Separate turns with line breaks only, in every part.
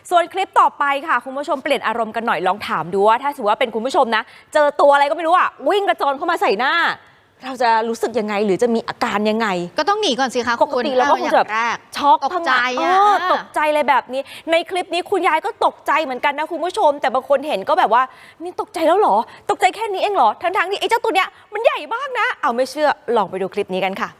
ส่วนคลิปต่อไปค่ะคุณผู้ชมเปลี่ยนอารมณ์กันหน่อยลองถามดูว่าถ้าสมมติว่าเป็นคุณผู้ชมนะเจอตัวอะไรก็ไม่รู้อ่ะวิ่งกระโจนเข้ามาใส่หน้าเราจะรู้สึกยังไงหรือจะมีอาการยังไง
ก็ต้องหนีก่อนสิคะ
ปกติแล้วก็คงจะช็อก
ตกใจ
ตกใจเลยแบบนี้ในคลิปนี้คุณยายก็ตกใจเหมือนกันนะคุณผู้ชมแต่บางคนเห็นก็แบบว่านี่ตกใจแล้วเหรอตกใจแค่นี้เองเหรอทั้งที่ไอ้เจ้าตัวเนี้ยมันใหญ่มากนะเอาไม่เชื่อลองไปดูคลิปนี้กันค่ะ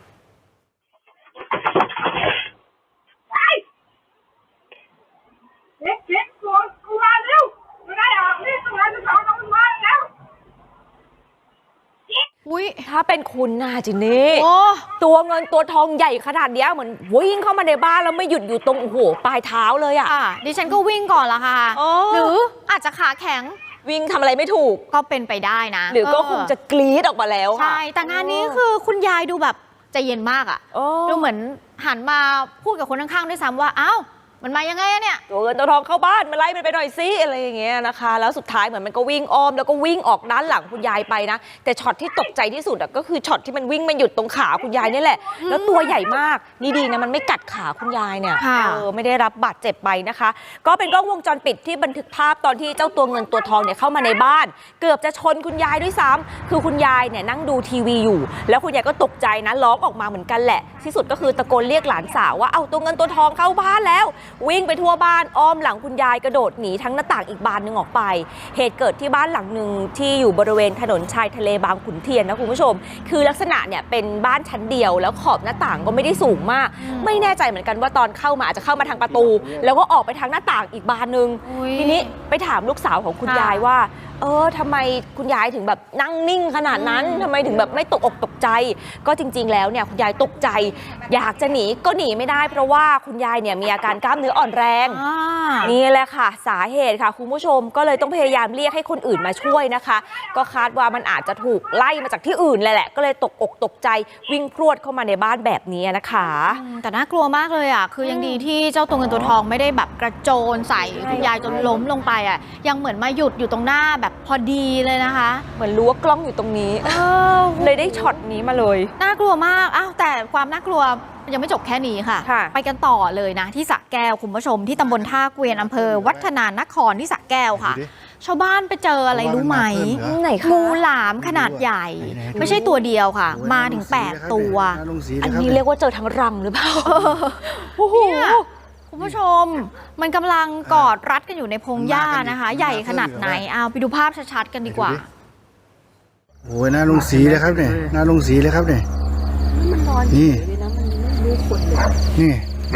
ถ้าเป็นคุณนะจินนี่ตัวเงินตัวทองใหญ่ขนาดนี้เหมือนวิ่งเข้ามาในบ้านแล้วไม่หยุดอยู่ตรงโอ้โหปลายเท้าเลยอ่ะ
ดิฉันก็วิ่งก่อนละค่ะหรืออาจจะขาแข็ง
วิ่งทำอะไรไม่ถูก
ก็เป็นไปได้นะ
หรือก็คงจะกรี๊ดออกมาแล้ว
ใช่แต่งานนี้คือคุณยายดูแบบใจเย็นมากอ่ะดูเหมือนหันมาพูดกับคนข้างๆด้วยซ้ำว่าอ้าวมันมายังไงเนี่ย
ตัวเงินตัวทองเข้าบ้านมาไล่มันไปหน่อยซิอะไรอย่างเงี้ยนะคะแล้วสุดท้ายเหมือนมันก็วิ่งอ้อมแล้วก็วิ่งออกด้านหลังคุณยายไปนะแต่ช็อตที่ตกใจที่สุดก็คือช็อตที่มันวิ่งมาหยุดตรงขาคุณยายนี่แหละแล้วตัวใหญ่มากนี่ดีนะมันไม่กัดขาคุณยายเนี่ยไม่ได้รับบาดเจ็บไปนะคะก็เป็นกล้องวงจรปิดที่บันทึกภาพตอนที่เจ้าตัวเงินตัวทองเนี่ยเข้ามาในบ้านเกือบจะชนคุณยายด้วยซ้ำคือคุณยายเนี่ยนั่งดูทีวีอยู่แล้วคุณยายก็ตกใจนะร้องออกมาเหมือนกันแหละที่สุดก็คือตะโกนเรียกหลานสาวว่าเอาตัวเงินตัวทองเข้าบ้านแล้ววิ่งไปทั่วบ้านอ้อมหลังคุณยายกระโดดหนีทั้งหน้าต่างอีกบานหนึ่งออกไปเหตุเกิดที่บ้านหลังหนึ่งที่อยู่บริเวณถนนชายทะเลบางขุนเทียนนะคุณผู้ชมคือลักษณะเนี่ยเป็นบ้านชั้นเดียวแล้วขอบหน้าต่างก็ไม่ได้สูงมากไม่แน่ใจเหมือนกันว่าตอนเข้ามาอาจจะเข้ามาทางประตูแล้วก็ออกไปทางหน้าต่างอีกบานหนึ่งทีนี้ไปถามลูกสาวของคุณยายว่าทำไมคุณยายถึงแบบนั่งนิ่งขนาดนั้นทำไมถึงแบบไม่ตกอกตกใจก็จริงๆแล้วเนี่ยคุณยายตกใจอยากจะหนีก็หนีไม่ได้เพราะว่าคุณยายเนี่ยมีอาการกล้ามเนื้ออ่อนแรงนี่แหละค่ะสาเหตุค่ะคุณผู้ชมก็เลยต้องพยายามเรียกให้คนอื่นมาช่วยนะคะก็คาดว่ามันอาจจะถูกไล่มาจากที่อื่นแหละก็เลยตกอกตกใจวิ่งพรวดเข้ามาในบ้านแบบนี้นะคะ
แต่น่ากลัวมากเลยอ่ะคือยังดีที่เจ้าตัวเงินตัวทองไม่ได้แบบกระโจนใส่คุณยายจนล้มลงไปอ่ะยังเหมือนมาหยุดอยู่ตรงหน้าแบบพอดีเลยนะคะ
เหมือนรู้ว่ากล้องอยู่ตรงนี้เลยได้ช็อตนี้มาเลย
น่ากลัวมากอ้าวแต่ความน่ากลัวยังไม่จบแค่นี้ค่ะไปกันต่อเลยนะที่สระแก้วคุณผู้ชมที่ตำบลท่าเกวียนอำเภอวัฒนานครที่สระแก้วค่ะชาวบ้านไปเจออะไรรู้ไหมงูหลามขนาดใหญ่ไม่ใช่ตัวเดียวค่ะมาถึง8ตัว
อันนี้เรียกว่าเจอทั้งรังหรือเปล่า
โอ้โหคุณผู้ชมมันกำลังกอดรัดกันอยู่ในพงหญ้านะคะใหญ่ขนาดไหนเอาไปดูภาพชัดๆกันดีกว่า
โอ้ยน่าลงสีเลยครับเนี่ยน่าลงสีเลยครับเนี่ย
มันนอนนี่นะมันไม่รู้คนเลย
นี่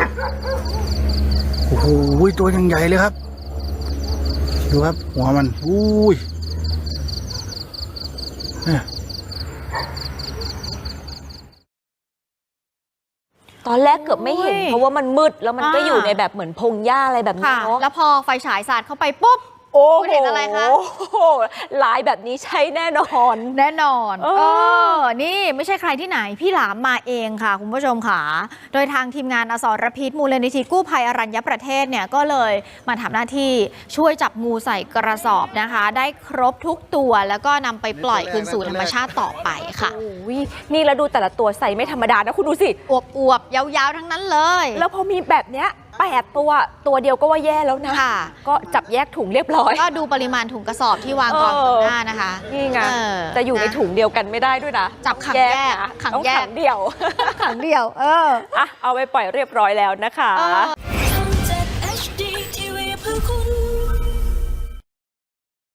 โอ้โหตัวยังใหญ่เลยครับดูครับหัวมันอุ้ย
ตอนแรกเกือบไม่เห็นเพราะว่ามันมืดแล้วมันก็อยู่ในแบบเหมือนพงหญ้าอะไรแบบนี้เนาะ
แล้วพอไฟฉายสาดเข้าไปปุ๊บคุณเห็นอะไรคะ
ลายแบบนี้ใช้แน่นอน
นี่ไม่ใช่ใครที่ไหนพี่หลามมาเองค่ะคุณผู้ชมค่ะโดยทางทีมงานอสรพิษมูลนิธิกู้ภัยอรัญญประเทศเนี่ยก็เลยมาทำหน้าที่ช่วยจับงูใส่กระสอบนะคะได้ครบทุกตัวแล้วก็นำไปปล่อยคืนสู่ธรรมชาติต่อไปค่ะ
นี่แล้วดูแต่ละตัวใส่ไม่ธรรมดานะคุณดูสิ
อวบๆยาวๆทั้งนั้นเลย
แล้วพอมีแบบเนี้ย8ตัวเดียวก็ว่าแย่แล้วนะก็จับแยกถุงเรียบร้อย
ก็ดูปริมาณถุงกระสอบที่วางกองตรงหน้านะคะ
นี่ไงจะอยู่ในถุงเดียวกันไม่ได้ด้วยนะ
จับขังแยก
ขังเดียว
ขังเดียว
เอาไปปล่อยเรียบร้อยแล้วนะคะ